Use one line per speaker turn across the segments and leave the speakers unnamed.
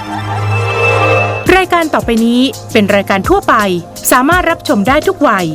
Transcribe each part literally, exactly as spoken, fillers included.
รายการต่อไปนี้เป็นรายการทั่วไปสามารถรับชมได้ทุกวัย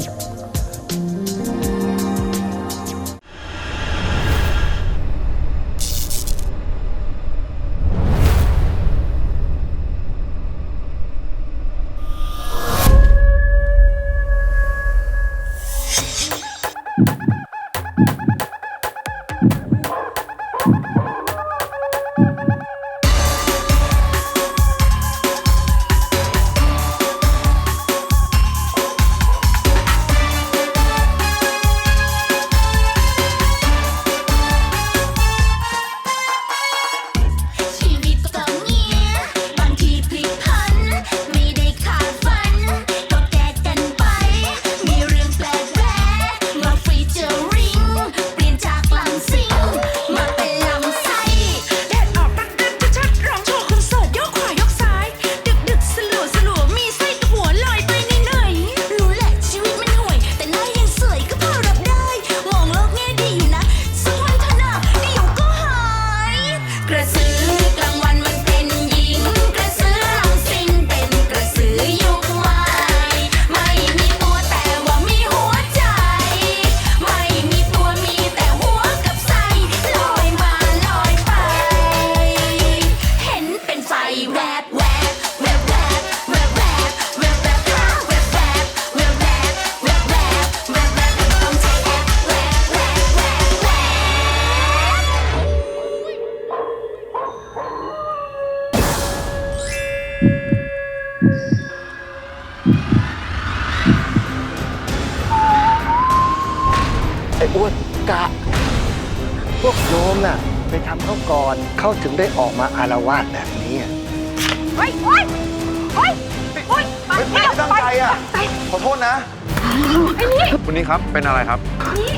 ไอ้อ้วนกะพวกโยมน่ะไปทำเขาก่อนเขาถึงได้ออกมาอาละวาดแบบนี้เฮ้ยเฮ้ยเฮ้ยเฮ้ยไม่ตั้งใจอ่ะขอโทษนะคุณนี่ครับเป็นอะไรครับนี่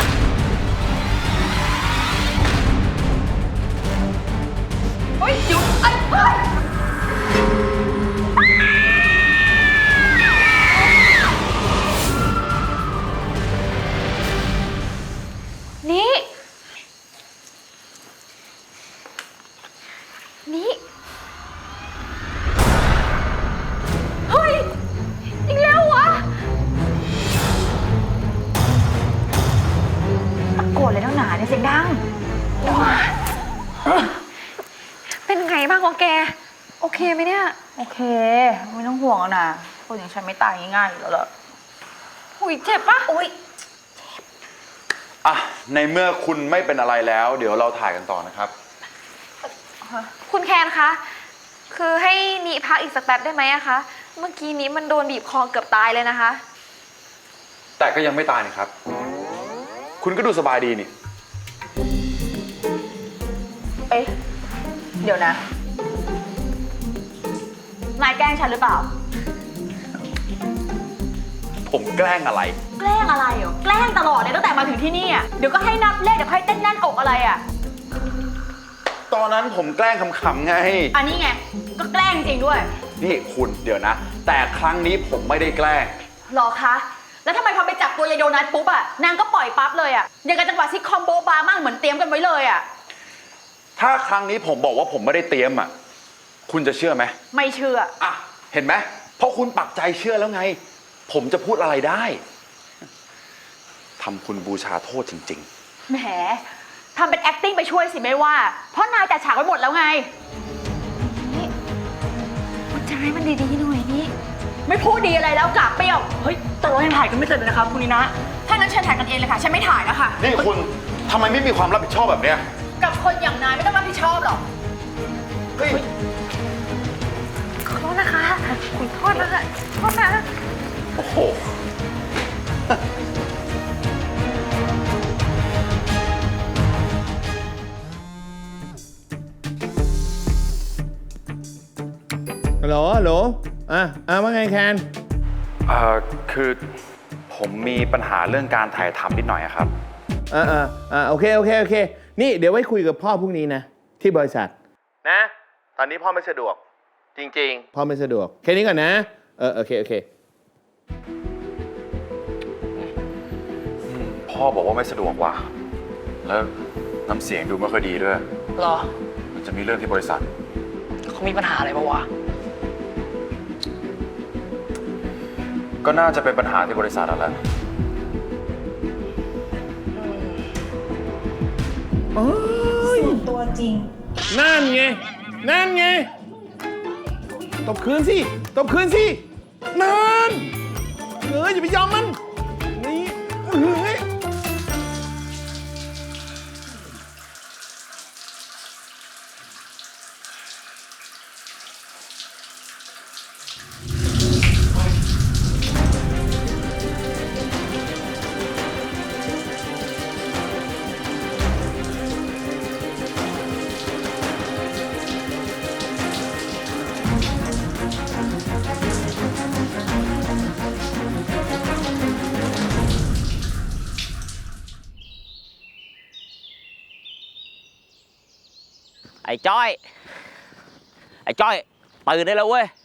เฮ้ยหยุดไอ้เฮ้ย
นี่นี่เฮ้ยอีกแล้ววะตะโกนเลยทั้งหนาเนี่ยเสียงดังเป็นไงบ้างวะแกโอเคไหมเนี่ย
โอเคไม่ต้องห่วงแล้วนะคนอย่างฉันไม่ตายง่ายๆอยู่แล้วล่ะ
หุยเจ็บปะอุ้ย
อ่ะในเมื่อคุณไม่เป็นอะไรแล้วเดี๋ยวเราถ่ายกันต่อนะครับ
คุณแคนคะคือให้นิพักอีกสักแป๊บได้ไหมอะคะเมื่อกี้นี้มันโดนบีบคอเกือบตายเลยนะคะ
แต่ก็ยังไม่ตายนี่ครับคุณก็ดูสบายดีนี่
เอ๊ะเดี๋ยวนะนายแกล้งฉันหรือเปล่า
ผมแกล้งอะไร
แกล้งอะไรเหรอแกล้งตลอดเลยตั้งแต่มาถึงที่นี่อ่ะเดี๋ยวก็ให้นับเลขเดี๋ยวให้เต้นแน่นอกอะไรอ่ะ
ตอนนั้นผมแกล้งขำๆไง
อันนี้ไงก็แกล้งจริงด้วย
นี่คุณเดี๋ยวนะแต่ครั้งนี้ผมไม่ได้แกล้ง
หรอคะแล้วทำไมพอไปจับตัวยายโดนัทปุ๊บอ่ะนางก็ปล่อยปั๊บเลยอ่ะอย่างกับจังหวะซิทคอมโบบามากเหมือนเตรียมกันไว้เลยอ่ะ
ถ้าครั้งนี้ผมบอกว่าผมไม่ได้เตรียมอ่ะคุณจะเชื่อไหม
ไม่เชื่อ
อ่ะเห็นไหมเพราะคุณปักใจเชื่อแล้วไงผมจะพูดอะไรได้ทำคุณบูชาโทษจริง
ๆแหมทำเป็น acting ไปช่วยสิไม่ว่าเพราะนายจัดฉากไว้หมดแล้วไง
นี่พูดจาให้มันดีๆหน่อยนี่
ไม่พูดดีอะไรแล้วกลับเปรี้ยวเฮ้ยแต่เรายังถ่ายกันไม่เสร็จเลยนะครับคุณนีนะถ้างั้นเชิญถ่ายกันเองเลยค่ะฉันไม่ถ่ายแล้วค่ะ
นี่คุณทำไมไม่มีความรับผิดชอบแบบเนี้ย
กับคนอย่างนายไม่ต้องรับผิดชอบหรอก
เฮ้ย
ขอโทษนะคะขอโทษนะคะขอโทษนะ
โอ้โห
ฮัลโหลฮัลโหลอ่ะอ่ะว่าไงแคน
เอ่อคือผมมีปัญหาเรื่องการถ่ายทำนิดหน่อยครับ
อ่าอ่าอ่าโอเคโอเคโอเคนี่เดี๋ยวไว้คุยกับพ่อพรุ่งนี้นะที่บริษัทนะตอนนี้พ่อไม่สะดวกจริงๆพ่อไม่สะดวกแค่นี้ก่อนนะเออโอเคโอเค
พ่อบอกว่าไม่สะดวกว่ะแล้วน้ำเสียงดูไม่ค่อยดีด้วย
หรอ
มันจะมีเรื่องที่บริษัท
เขามีปัญหาอะไรปะวะ
ก็น่าจะเป็นปัญหาที่บริษัทนั่นแหละ
ตัวจริง
นั่นไง นั่นไง ตบคืนสิ ตบคืนสิ นั่นเอออย่าไปยอมมัน นี่เฮ้ย
ไอ้จ้อย ไอ้จ้อยตื่นได้แล้วเว้ย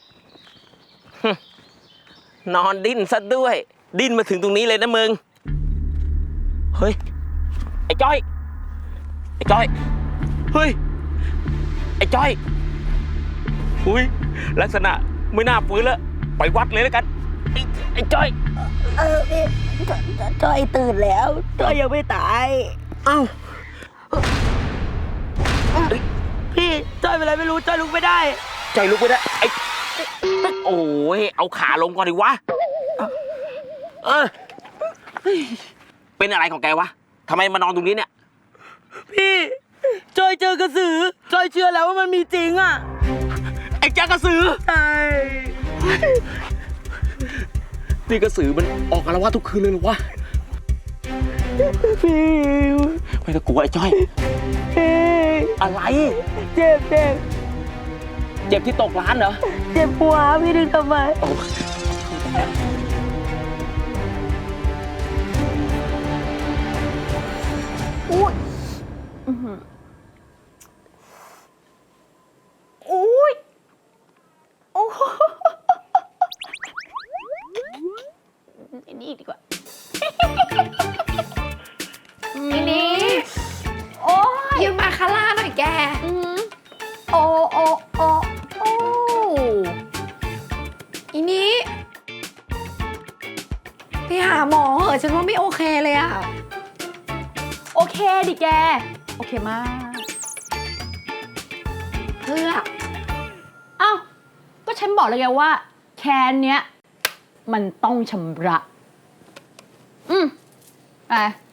นอนดิ้นซะด้วย ดิ้นมาถึงตรงนี้เลยนะมึง เฮ้ย ไอ้จ้อย ไอ้จ้อย เฮ้ย ไอ้จ้อยอุ้ยลักษณะไม่น่าฟื้นแล้ว ไปวัดเลยแล้วกัน ไอ้ไอ้จ้อย
เออพี่จอยตื่นแล้วจอยยังไม่ตาย
เอ้า
พี่จอยเป็นอะไรไม่รู้จอยลุกไม่ได้
ใจลุกไปได้ไอ้โอ้ยเอาขาลงก่อนดิวะ เออเฮ้ยเป็นอะไรของแกวะทำไมมานอนตรงนี้เนี่ย
พี่จอยเจอกระสือจอยเชื่อแล้วว่ามันมีจริงอ่ะ
ไอ้แกกระสือ
ใช่
นี่กระสือมันออกอาละวาดทุกคืนเลยเหรอวะ
พี่
ไม่ต้องกลัวไอ้จ้อย
พี่
อะไร
เจ็บเจ็บ
เจ็บที่ตกร้านเหรอ
เจ็บหัวพี่ดึงทำไม
โอ้
อุ้ยอุ้ยโอ้โหอันนี้อีกดีกว่า
อีนี้
โอ้ย
ยืมมาคาร่าหน่อยแก
อืมโอ้โอ้โอ้โอ้
อีนี้ไปหาหมอเหอะฉันว่าไม่โอเคเลยอะ
โอเคดิแก โอเคมาก
เพื่อ
อ้าว ก็ฉันบอกแล้วไงว่า แคนเนี้ย มันต้องชำระ อืมไป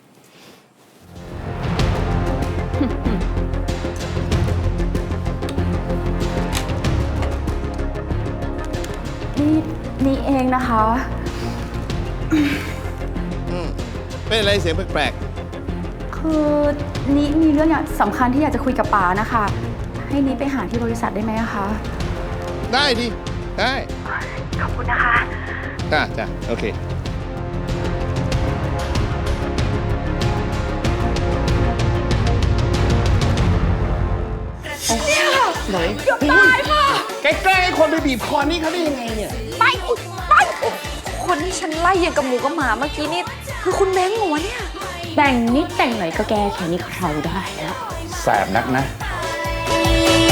นี่นี่เองนะคะ
เป็นอะไรเสียงแปลก
คือนี่มีเรื่องอย่างสำคัญที่อยากจะคุยกับป๋านะคะ ให้นี้ไปหาที่บริษัทได้ไหมอะคะ
ๆ ได้ดิ ได้
ขอบคุณนะคะ
จ้าจ้าโอเค ไหนเกือบตายค่ะแกแกล้งให้คนไปบีบคอนี่เขาได้ยังไงเนี่ย
ไปไปคนที่ฉันไล่ยังกับหมูกับหมาเมื่อกี้นี่คือคุณเม้งเหรอวะเนี่ย
แต่งนิดแต่งหน่อยก็แก้แค่นี้เขาได้แล้ว
แสบนักนะ
เ